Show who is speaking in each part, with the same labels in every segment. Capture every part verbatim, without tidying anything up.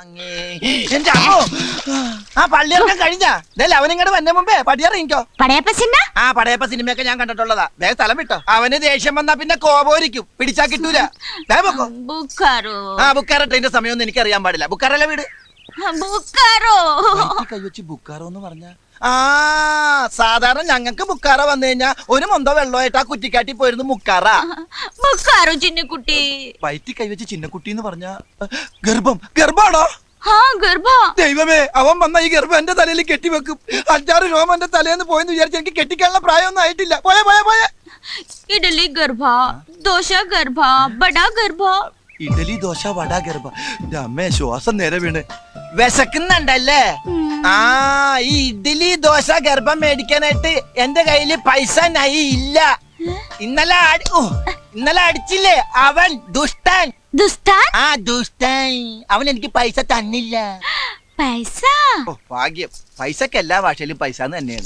Speaker 1: എന്റെ അമ്മോ ആ പള്ളിയിറക്കം കഴിഞ്ഞാ അവനിങ്ങോട്ട് വന്ന മുമ്പേ പടിയിറങ്ങിക്കോ. ആ പടയപ്പ സിനിമയൊക്കെ ഞാൻ കണ്ടിട്ടുള്ളതാ. വേഗം സ്ഥലം വിട്ടോ. അവന് ദേഷ്യം വന്നാ പിന്നെ കോപോരിക്കും, പിടിച്ചാ കിട്ടൂല. ആ ബുക്കാറോ ട്രെയിന്റെ സമയമൊന്നും എനിക്ക് അറിയാൻ പാടില്ല. ബുക്കാറല്ല വീട്. കൈവച്ച് ബുക്കാറോ എന്ന് പറഞ്ഞ ആ സാധാരണ ഞങ്ങൾക്ക് ബുക്കാറ വന്നു കഴിഞ്ഞാ ഒരു മൊന്തോ വെള്ളമായിട്ട് ആ കുറ്റിക്കാട്ടി പോയിരുന്നു മുക്കാറ.
Speaker 2: ചിന്നക്കുട്ടി
Speaker 1: വയറ്റി കൈവച്ച് ചിന്നക്കുട്ടി എന്ന് പറഞ്ഞ ഗർഭം. ഗർഭാണോ? ദൈവമേ, അവൻ വന്ന ഈ ഗർഭം എന്റെ തലയിൽ കെട്ടിവെക്കും. അഞ്ചാറ് രോമം എന്റെ തലേന്ന് പോയെന്ന് വിചാരിച്ച് എനിക്ക് കെട്ടിക്കാനുള്ള പ്രായമൊന്നും ആയിട്ടില്ല. പോയെ പോയെ പോയെ
Speaker 2: ഇഡലി ഗർഭ, ദോശ ഗർഭ, ബട ഗർഭ.
Speaker 1: ഇഡലി ദോശ വട ഗർഭ. അമ്മേ ശ്വാസം നേരെ വീണ്. വിശക്കുന്നുണ്ടല്ലേ? ആ ഈ ഇഡ്ഡലി ദോശ ഗർഭം മേടിക്കാനായിട്ട് എന്റെ കയ്യില് പൈസ നൈ ഇല്ല. ഇന്നലെ ഇന്നലെ അടിച്ചില്ലേ അവൻ ദുഷ്ടൻ.
Speaker 2: ദുഷ്ടൻ?
Speaker 1: ആ ദുഷ്ടൻ. അവൻ എനിക്ക് പൈസ തന്നില്ല.
Speaker 2: പൈസ?
Speaker 1: ഓ ഭാഗ്യം. പൈസക്ക് എല്ലാ ഭാഷയിലും പൈസ തന്നെയാണ്.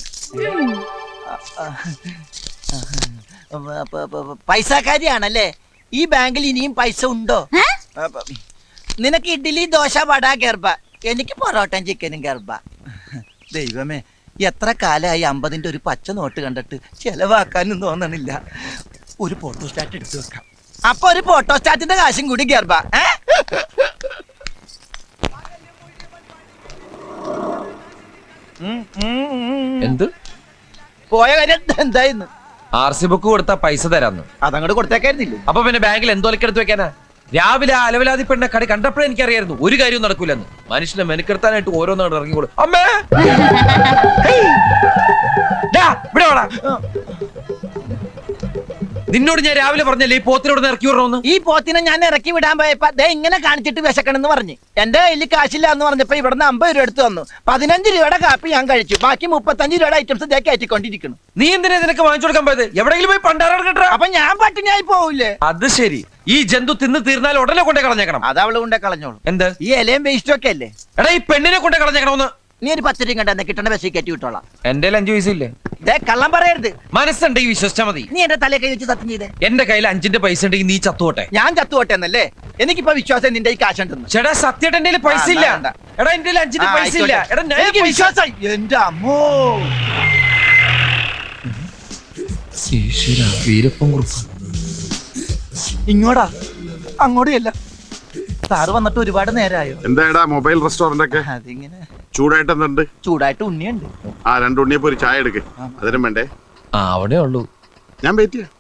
Speaker 1: പൈസക്കാരിയാണല്ലേ? ഈ ബാങ്കിൽ ഇനിയും പൈസ ഉണ്ടോ? നിനക്ക് ഇഡ്ഡലി ദോശ വട ഗർഭ, എനിക്ക് പൊറോട്ടയും ചിക്കനും ഗർഭ. ദൈവമേ, എത്ര കാലമായി അമ്പതിന്റെ ഒരു പച്ച നോട്ട് കണ്ടിട്ട് ചെലവാക്കാനും തോന്നണില്ല. ഒരു ഫോട്ടോസ്റ്റാറ്റ് എടുത്തു വെക്കാം. അപ്പൊ ഒരു ഫോട്ടോസ്റ്റാറ്റിന്റെ കാശും കൂടി ഗർഭ.
Speaker 3: എന്ത്
Speaker 1: പോയ കാര്യം എന്തായിരുന്നു?
Speaker 3: ആർ സി ബുക്ക് കൊടുത്താ പൈസ തരാന്ന്.
Speaker 1: അതങ്ങോട്ട് കൊടുത്തേക്കായിരുന്നില്ലേ?
Speaker 3: അപ്പൊ പിന്നെ ബാങ്കിൽ എന്തോലക്കെടുത്ത് വെക്കാനാ? രാവിലെ ആ അലവലാതി പെണ്ണ കടി കണ്ടപ്പോഴേ എനിക്കറിയായിരുന്നു ഒരു കാര്യവും നടക്കൂലെന്ന്. മനുഷ്യനെ മെനക്കെടുത്താനായിട്ട് ഓരോന്നാണ് ഇറങ്ങിക്കോളൂ. അമ്മേ നിന്നോട് ഞാൻ രാവിലെ പറഞ്ഞല്ലേ ഈ പോത്തിനോട് ഇറക്കി വിടണമെന്ന്.
Speaker 1: ഈ പോത്തിനെ ഞാൻ ഇറക്കി വിടാൻ പോയപ്പോ ദേ ഇങ്ങനെ കാണിച്ചിട്ട് വിശക്കണെന്ന് പറഞ്ഞു. എന്റെ കയ്യിൽ കാശില്ല എന്ന് പറഞ്ഞപ്പോ ഇവിടുന്ന് അമ്പത് രൂപ എടുത്തു തന്നു. പതിനഞ്ച് രൂപയുടെ കാപ്പി ഞാൻ കഴിച്ചു. ബാക്കി മുപ്പത്തഞ്ച് രൂപയുടെ ഐറ്റംസ് ഇതേ കയറ്റിക്കൊണ്ടിരിക്കുന്നു.
Speaker 3: നീ എന്തിനാ നിനക്ക് വാങ്ങിച്ചു കൊടുക്കാൻ പോയത്? എവിടെയെങ്കിലും പോയി പണ്ടാറ കേട്ടോ.
Speaker 1: അപ്പൊ ഞാൻ പട്ടിണിയായി പോവില്ലേ?
Speaker 3: അത് ശരി. ഈ ജന്തു തിന്ന് തീർന്നാൽ ഉടനെ കൊണ്ടേ കളഞ്ഞേക്കണം.
Speaker 1: അത് അവള് കൊണ്ടേ കളഞ്ഞോളൂ.
Speaker 3: എന്ത്?
Speaker 1: ഈ ഇലയും വേസ്റ്റും ഒക്കെ അല്ലേ?
Speaker 3: എടാ ഈ പെണ്ണിനെ കൊണ്ടേ കളഞ്ഞേക്കണമെന്ന്.
Speaker 1: നീ ഒരു പത്ത് രൂപ കണ്ടെന്ന് കിട്ടണ ബസ്സിൽ കയറ്റി വിട്ടോളാം.
Speaker 3: എന്റെ അഞ്ചു പൈസ ഇല്ലേ?
Speaker 1: കള്ളം പറയരുത്.
Speaker 3: മനസ്സുണ്ടെങ്കിൽ വിശ്വസിച്ചാ മതി.
Speaker 1: നീ എന്റെ തലേ കൈ വെച്ച് സത്യം ചെയ്തേ.
Speaker 3: എന്റെ കയ്യിൽ അഞ്ചിന്റെ പൈസ ഉണ്ടെങ്കിൽ നീ ചത്തുപോട്ടെ.
Speaker 1: ഞാൻ ചത്തുപോട്ടെ എന്നല്ലേ? എനിക്കിപ്പോ വിശ്വാസം നിന്റെ ഈ കാശുണ്ടെന്ന്.
Speaker 3: ചേട്ടാ സത്യമായിട്ട് എന്റെ പൈസ ഇല്ല. എടാ എന്റെ അഞ്ചിന്റെ പൈസ ഇല്ല. എടാ
Speaker 1: എനിക്ക് വിശ്വാസം. എന്റെ അമ്മോ,
Speaker 3: വീരപ്പൻ കുറുപ്പ്
Speaker 1: ഇങ്ങോട്ടാ അങ്ങോട്ടും. സാറ് വന്നിട്ട് ഒരുപാട് നേരമായോ?
Speaker 4: എന്താ മൊബൈൽ റെസ്റ്റോറന്റ് ഒക്കെ
Speaker 1: അതിങ്ങനെ
Speaker 4: ചൂടായിട്ട് എന്തുണ്ട്?
Speaker 1: ചൂടായിട്ട് ഉണ്ണിയുണ്ട്.
Speaker 4: ആ രണ്ട് ഉണ്ണിയപ്പോ ഒരു ചായ എടുക്കേ. അതിനും വേണ്ടേ?
Speaker 3: ആ അവിടെ ഉള്ളൂ.
Speaker 4: ഞാൻ വെയിറ്റ് ചെയ്യാം.